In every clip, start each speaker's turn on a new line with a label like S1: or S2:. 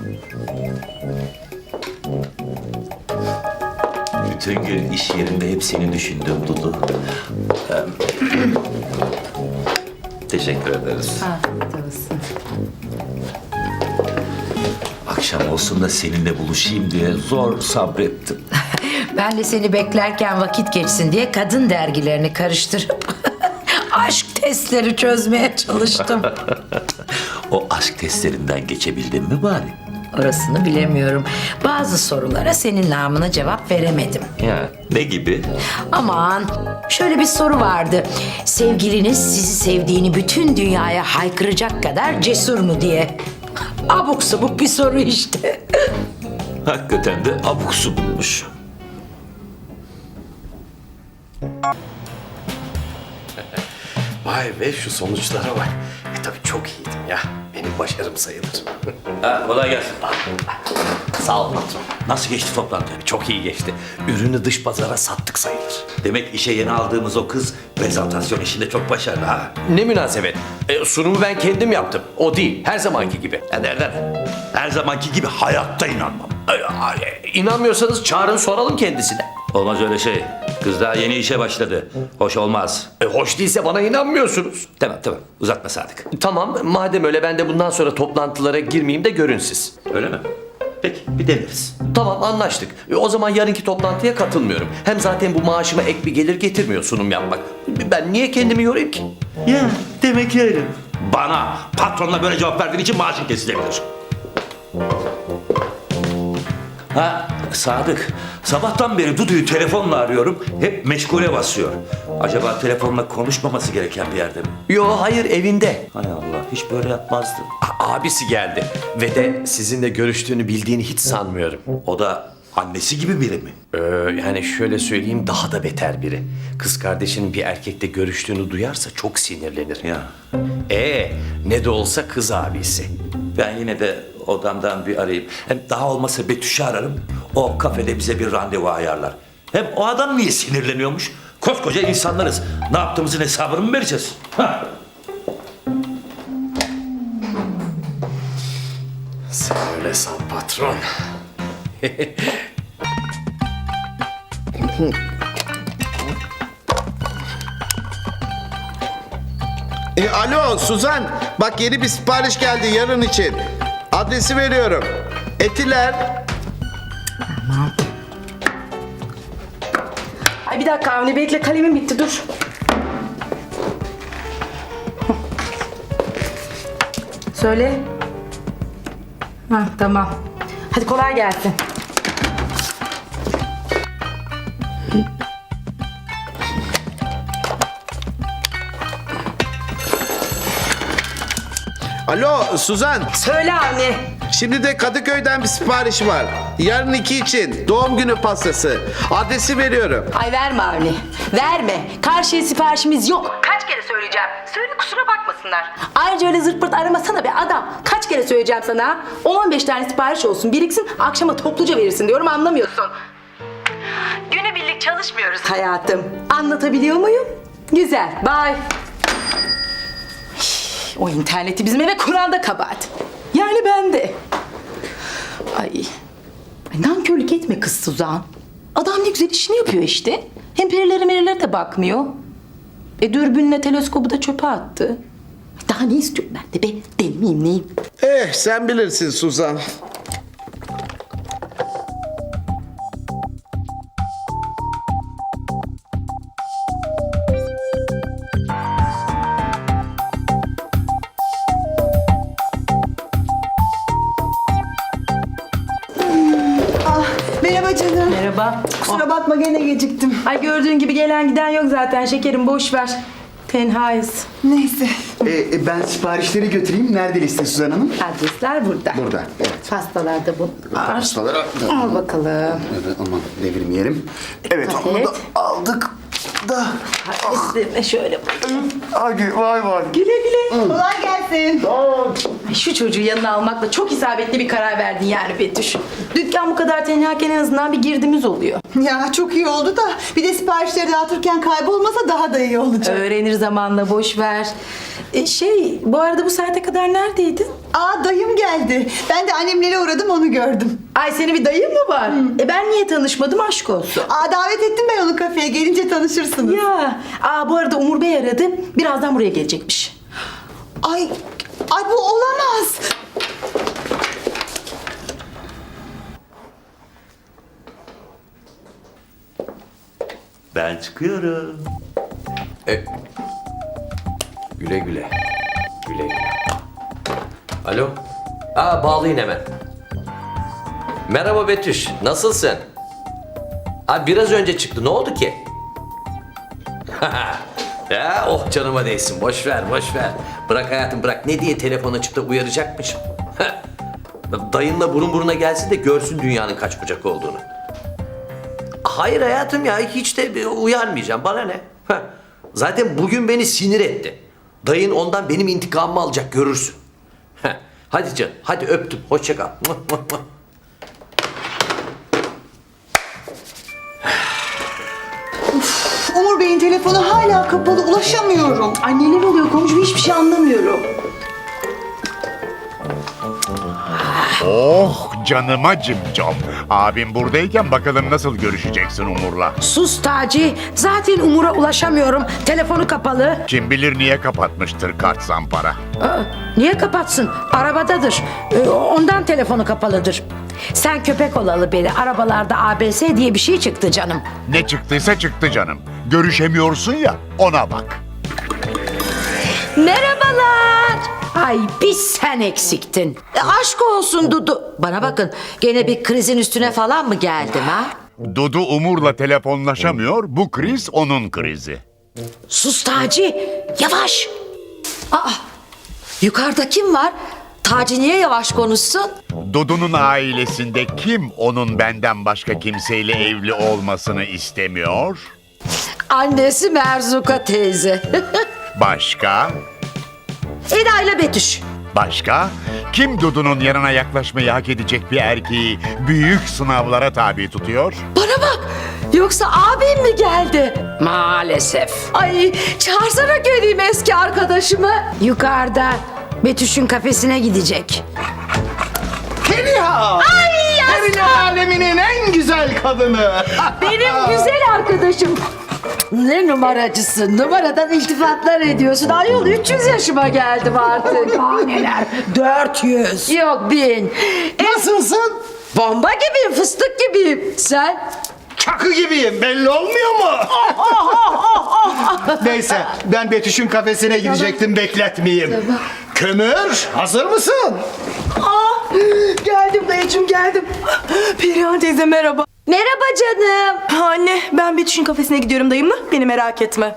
S1: Bütün gün iş yerinde hep seni düşündüm Dudu. Teşekkür ederiz.
S2: Afiyet olsun.
S1: Akşam olsun da seninle buluşayım diye zor sabrettim.
S2: Ben de seni beklerken vakit geçsin diye kadın dergilerini karıştırıp aşk testleri çözmeye çalıştım.
S1: O aşk testlerinden geçebildin mi bari?
S2: Orasını bilemiyorum. Bazı sorulara senin namına cevap veremedim.
S1: Ya ne gibi?
S2: Aman, şöyle bir soru vardı. Sevgiliniz sizi sevdiğini bütün dünyaya haykıracak kadar cesur mu diye. Abuk subuk bir soru işte.
S1: Hakikaten de abuk subukmuş.
S3: Vay be şu sonuçlara bak. Tabii çok iyiydim ya. Benim başarım sayılır.
S1: Ha, kolay gelsin.
S3: Sağ ol patron.
S1: Nasıl geçti toplantı?
S3: Çok iyi geçti. Ürünü dış pazara sattık sayılır.
S1: Demek işe yeni aldığımız o kız prezentasyon işinde çok başarılı ha.
S3: Ne münasebet. Sunumu ben kendim yaptım. O değil. Her zamanki gibi.
S1: Ya nereden? Her zamanki gibi hayatta inanmam.
S3: İnanmıyorsanız çağırın soralım kendisine.
S1: Olmaz öyle şey. Kız daha yeni işe başladı. Hoş olmaz.
S3: Hoş değilse bana inanmıyorsunuz.
S1: Tamam tamam uzatma Sadık.
S3: Tamam madem öyle ben de bundan sonra toplantılara girmeyeyim de görün siz.
S1: Öyle mi? Peki bir deneriz.
S3: Tamam anlaştık. O zaman yarınki toplantıya katılmıyorum. Hem zaten bu maaşıma ek bir gelir getirmiyor sunum yapmak. Ben niye kendimi yorayım ki?
S1: Ya demek öyle. Bana patronla böyle cevap verdiğin için maaşın kesilebilir. Ha Sadık, sabahtan beri Dudu'yu telefonla arıyorum. Hep meşgule basıyor. Acaba telefonla konuşmaması gereken bir yerde mi?
S3: Yo hayır evinde.
S1: Hay Allah, hiç böyle yapmazdı.
S3: Abisi geldi ve de sizinle görüştüğünü bildiğini hiç sanmıyorum.
S1: O da annesi gibi biri mi?
S3: Yani şöyle söyleyeyim daha da beter biri. Kız kardeşinin bir erkekle görüştüğünü duyarsa çok sinirlenir.
S1: Ya.
S3: Ne de olsa kız abisi.
S1: Ben yine de odamdan bir arayayım. Hem daha olmasa Betüş'ü ararım. O kafede bize bir randevu ayarlar. Hem o adam niye sinirleniyormuş? Koskoca insanlarız. Ne yaptığımızın hesabını mı vereceğiz? Hah.
S3: Sen öyle san patron.
S4: Alo Suzan, bak yeni bir sipariş geldi yarın için. Adresi veriyorum. Etiler.
S5: Ay bir dakika Avni bekle kalemim bitti dur. Söyle. Ha tamam. Hadi kolay gelsin.
S4: Alo Suzan,
S5: Söyle Avni.
S4: şimdi de Kadıköy'den bir sipariş var. Yarın 2 için doğum günü pastası. Adresi veriyorum.
S5: Ay verme Avni. Verme. Karşıya siparişimiz yok. Kaç kere söyleyeceğim. Söyle kusura bakmasınlar. Ayrıca öyle zırt pırt aramasana be adam. Kaç kere söyleyeceğim sana. 10-15 tane sipariş olsun biriksin. Akşama topluca verirsin diyorum anlamıyorsun. Günübirlik çalışmıyoruz hayatım. Anlatabiliyor muyum? Güzel. Bye. O interneti bizim eve Kur'an'da kabahat. Yani ben de. Ay nankörlük etme kız Suzan. Adam ne güzel işini yapıyor işte. Hem perilere de bakmıyor. Dürbünle teleskobu da çöpe attı. Daha ne istiyorum ben de be? Deli miyim neyim?
S4: Sen bilirsin Suzan.
S5: Merhaba canım. Merhaba.
S6: Kusura bakma gene geciktim.
S5: Ay gördüğün gibi gelen giden yok zaten şekerim boş ver. Tenhayız.
S6: Neyse.
S7: Ben siparişleri götüreyim. Nerede liste Suzan Hanım?
S5: Adresler burada.
S7: Burada. Evet.
S5: Pastalar da bu.
S7: Pastaları
S5: Al bakalım.
S7: Evet, aman devirmeyelim. Evet onu
S5: Paket.
S7: da aldık da.
S5: Üstüne şöyle bak.
S7: Hadi vay vay.
S5: Güle güle.
S6: Kolay gelsin.
S5: Ay, şu çocuğu yanına almakla çok isabetli bir karar verdin yani Betüş. Dükkan bu kadar tenhaken en azından bir girdimiz oluyor.
S6: Ya çok iyi oldu da bir de siparişleri dağıtırken kaybolmasa daha da iyi olacak.
S5: Öğrenir zamanla boş ver. Bu arada bu saate kadar neredeydin?
S6: Aa dayım geldi. Ben de annemlere uğradım onu gördüm.
S5: Ay senin bir dayın mı var? Ben niye tanışmadım aşk olsun.
S6: Aa davet ettim ben onu kafeye. Gelince tanışırsınız.
S5: Ya, bu arada Umur Bey aradı. Birazdan buraya gelecekmiş.
S6: Ay bu olamaz.
S1: Ben çıkıyorum.
S3: Güle güle. Güle güle. Alo. Bağlayın hemen. Merhaba Betüş. Nasılsın? Biraz önce çıktı. Ne oldu ki? Ya canıma değsin. Boş ver, boş ver. Bırak hayatım, bırak. Ne diye telefon açıp da uyaracakmışım. Dayınla burun buruna gelsin de görsün dünyanın kaç bucak olduğunu. Hayır hayatım ya, hiç de uyarmayacağım. Bana ne? Zaten bugün beni sinir etti. Dayın ondan benim intikamımı alacak, görürsün. Hadi canım, hadi öptüm. Hoşça kal.
S6: Umur Bey'in telefonu hala kapalı. Ulaşamıyorum.
S5: Ay neler oluyor komşum, hiçbir şey anlamıyorum.
S8: Oh canıma cimcom. Abim buradayken bakalım nasıl görüşeceksin Umur'la.
S2: Sus Taci. Zaten Umur'a ulaşamıyorum. Telefonu kapalı.
S8: Kim bilir niye kapatmıştır kart zampara.
S2: Niye kapatsın? Arabadadır. Ondan telefonu kapalıdır. Sen köpek olalı beri arabalarda ABS diye bir şey çıktı canım.
S8: Ne çıktıysa çıktı canım. Görüşemiyorsun ya, ona bak.
S2: Merhabalar. Ay bir sen eksiktin. Aşk olsun Dudu. Bana bakın, gene bir krizin üstüne falan mı geldim ha?
S8: Dudu Umur'la telefonlaşamıyor, bu kriz onun krizi.
S2: Sus Taci. Yavaş.
S9: Yukarıda kim var? Taci niye yavaş konuşsun?
S8: Dudu'nun ailesinde kim onun benden başka kimseyle evli olmasını istemiyor?
S9: Annesi Merzuka teyze.
S8: Başka?
S2: Eda ile Betüş.
S8: Başka? Kim Dudu'nun yanına yaklaşmayı hak edecek bir erkeği büyük sınavlara tabi tutuyor?
S9: Bana bak. Yoksa abim mi geldi?
S2: Maalesef.
S9: Ay çağırsana göreyim eski arkadaşımı.
S2: Yukarıda Betüş'ün kafesine gidecek.
S7: Feriha! Evin aleminin en güzel kadını.
S2: Benim güzel arkadaşım.
S9: Ne numaracısın? Numaradan iltifatlar ediyorsun. Ayol 300 yaşıma geldim artık.
S2: Neler? 400.
S9: Yok 1000.
S7: Nasılsın?
S9: Bomba gibiyim, fıstık gibiyim. Sen?
S7: Çakı gibiyim, belli olmuyor mu? Neyse, ben Betüş'ün kafesine gidecektim, bekletmeyeyim. Kömür, hazır mısın?
S5: Geldim dayıcığım, geldim. Perihan teyze merhaba.
S9: Merhaba canım.
S5: Anne, ben Betüş'ün kafesine gidiyorum dayımla. Beni merak etme.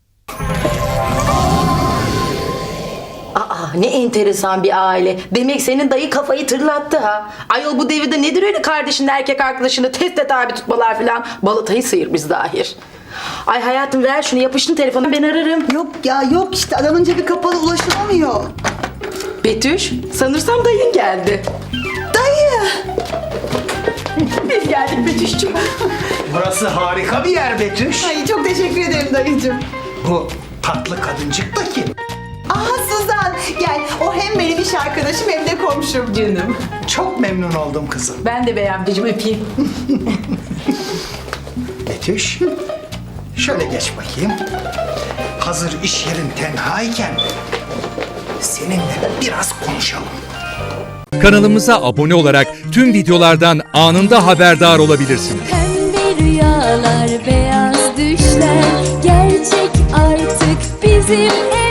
S5: Ne enteresan bir aile. Demek senin dayı kafayı tırlattı ha. Ayol bu devirde nedir öyle kardeşinin erkek arkadaşını teste tabi tutmalar filan. Balatayı sıyırmış zahir. Ay hayatım ver şunu, yapıştın telefonu, ben ararım.
S6: Yok ya yok işte adamın cebi kapalı ulaşılamıyor.
S5: Betüş, sanırsam dayın geldi.
S6: Dayı!
S5: Biz geldik Betüş'cüğüm.
S7: Burası harika bir yer Betüş.
S6: Ay çok teşekkür ederim dayıcığım.
S7: Bu tatlı kadıncık da kim?
S6: Aha Suzan gel. O hem benim iş arkadaşım hem de komşum.
S5: Canım.
S7: Çok memnun oldum kızım.
S5: Ben de bey amcacığım, öpeyim.
S7: Betüş, şöyle geç bakayım. Hazır iş yerin tenhayken seninle biraz konuşalım.
S10: Kanalımıza abone olarak tüm videolardan anında haberdar olabilirsiniz.
S11: Pembe rüyalar, beyaz düşler gerçek artık bizim